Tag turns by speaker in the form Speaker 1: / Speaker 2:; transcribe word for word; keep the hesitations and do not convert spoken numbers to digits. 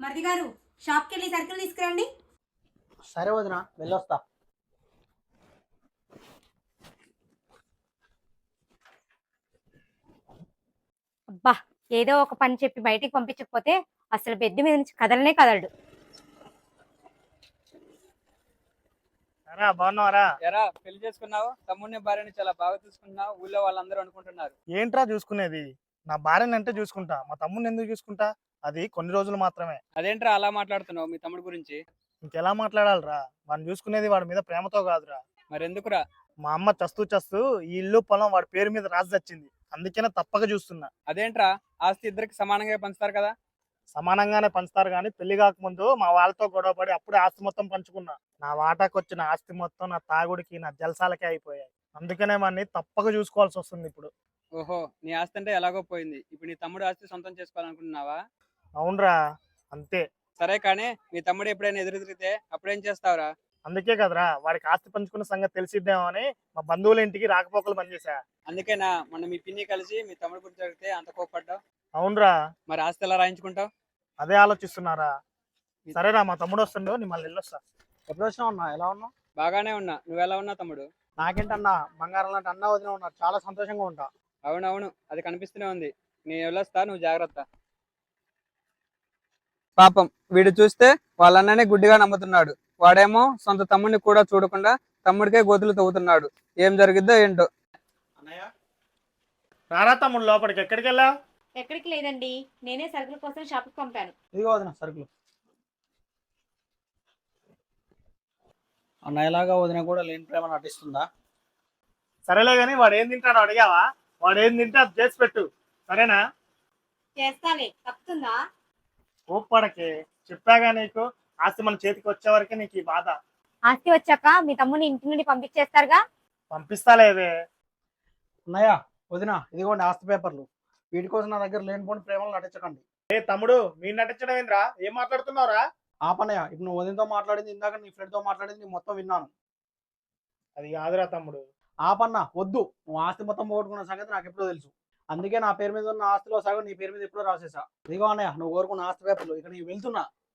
Speaker 1: మరిది గారు షాప్కి వెళ్ళి సరుకులు తీసుకురండి.
Speaker 2: సరే వదిన వెళ్ళొస్తా.
Speaker 1: అబ్బా, ఏదో ఒక పని చెప్పి బయటికి పంపించకపోతే అసలు బెడ్ మీద నుంచి కదలనే కదలడు.
Speaker 3: ఎరా బాగున్నావరా?
Speaker 4: ఎరా పెళ్లి చేసుకున్నావు, తమ్ముడిని భార్యని చాలా బాగా చూసుకున్నావు, ఊళ్ళో వాళ్ళందరూ అనుకుంటున్నారు.
Speaker 3: ఏంట్రా చూసుకునేది? నా భార్యని అంటే చూసుకుంటా, మా తమ్ముడిని ఎందుకు చూసుకుంటా? అది కొన్ని రోజులు మాత్రమే.
Speaker 4: అదేంట్రా అలా మాట్లాడుతున్నావు మీ తమ్ముడి గురించి?
Speaker 3: ఇంకెలా మాట్లాడాలిరా? వాడిని చూసుకునేది వాడి మీద ప్రేమతో కాదురా.
Speaker 4: మరెందుకురా?
Speaker 3: మా అమ్మ చస్తూ చస్తూ ఈ ఇల్లు పొలం వాడి పేరు మీద రాసి వచ్చింది, అందుకనే తప్పక చూస్తున్నా.
Speaker 4: అదేంట్రా, ఆస్తి ఇద్దరికి సమానంగా పంచుతారు కదా?
Speaker 3: సమానంగానే పంచుతారు కానీ పెళ్లి కాకముందు మా వాళ్ళతో గొడవపడి అప్పుడే ఆస్తి మొత్తం పంచుకున్నా. నా వాటాకు వచ్చిన ఆస్తి మొత్తం నా తాగుడికి నా జలసాలకే అయిపోయాయి. అందుకనే వాడిని తప్పక చూసుకోవాల్సి వస్తుంది ఇప్పుడు.
Speaker 4: ఓహో, నీ ఆస్తి అంటే ఎలాగో పోయింది, ఇప్పుడు నీ తమ్ముడు ఆస్తి సొంతం చేసుకోవాలనుకుంటున్నావా?
Speaker 3: అవునరా, అంతే.
Speaker 4: సరే కానీ మీ తమ్ముడు ఎప్పుడైనా ఎదురు తిరిగితే అప్పుడేం చేస్తావురా?
Speaker 3: అందుకే కదరా వాడికి ఆస్తి పంచుకున్న సంగతి తెలిసిద్దామో అని మా బంధువుల ఇంటికి రాకపోకలు పనిచేసా.
Speaker 4: అందుకేనా మొన్న మీ పిన్ని కలిసి మీ తమ్ముడు గురించి అడిగితే అంత కోప్పడ్డావు?
Speaker 3: అవునరా,
Speaker 4: మరి ఆస్తి ఎలా రాయించుకుంటావు?
Speaker 3: అదే ఆలోచిస్తున్నారా. సరేరా, మా తమ్ముడు వస్తుండో నీ మళ్ళీ వెళ్ళొస్తా.
Speaker 2: ఎప్పుడు వచ్చినావు అన్న? ఎలా ఉన్నావు?
Speaker 4: బాగానే ఉన్నా, నువ్వు ఎలా ఉన్నావు తమ్ముడు?
Speaker 2: నాకేంటన్నా, బంగారం లాంటి అన్న వదిన ఉన్నారు, చాలా సంతోషంగా ఉంటా.
Speaker 4: అవునవును, అది కనిపిస్తూనే ఉంది. నేను వెళ్ళొస్తా, నువ్వు జాగ్రత్త. పాపం వీడు చూస్తే వాళ్ళన్ననే గుడ్డిగా నమ్ముతున్నాడు. వాడేమో సొంత తమ్ముడిని కూడా చూడకుండా తమ్ముడికే గోతులు తవ్వుతున్నాడు. ఏం జరిగిద్దో ఏంటో.
Speaker 2: అన్నయ్య
Speaker 3: రారా తమ్ముడు, లోపలికి. ఎక్కడికి వెళ్ళా?
Speaker 1: ఎక్కడికి లేదండి, నేనే సరుకుల కోసం షాప్కి పంపాను.
Speaker 2: ఇదిగో వదిన సరుకులు. అన్నయ్యలాగా వదిన కూడా లేని ప్రేమ నటిస్తుందా?
Speaker 3: సరేలే గాని వాడు ఏం తింటాడో అడిగావా? వాడు ఏం తింటే అది చేసి పెట్టు, సరేనా?
Speaker 1: చేస్తాలే, తప్పుతుందా?
Speaker 3: ఊపడకే, చెప్పాగా నీకు. ఆస్తి మన చేతికి వచ్చే వరకే నీకు ఈ బాధ.
Speaker 1: ఆస్తి వచ్చాక మీ తమ్ముని ఇంటి నుండి పంపించేస్తారుగా.
Speaker 3: పంపిస్తాలేవే.
Speaker 2: అన్నయ్య వదిన ఇదిగోండి ఆస్తి పేపర్లు. వీటి కోసం నా దగ్గర లేనిపోని ప్రేమలు నటించకండి.
Speaker 3: ఏ తమ్ముడు, మీ నటించడం ఏంద్రా? ఏం మాట్లాడుతున్నావురా?
Speaker 2: ఆపన్నయ్య, ఇప్పుడు నువ్వు వదినతో మాట్లాడింది, ఇందాక నీ ఫ్రెండ్ తో మాట్లాడింది నేను మొత్తం విన్నాను.
Speaker 3: అది కాదురా తమ్ముడు.
Speaker 2: ఆపన్న వద్దు, నువ్వు ఆస్తి మొత్తం పోగొట్టుకున్న సంగతి నాకు ఎప్పుడో తెలుసు. అందుకే నా పేరు మీద ఉన్న ఆస్తిలో సగం నీ పేరు మీద ఎప్పుడో రాసేసా. ఇదిగో అన్నయ్య, నువ్వు కోరుకున్న ఆస్తి పేపర్లు. ఇక నేను వెళ్తున్నా.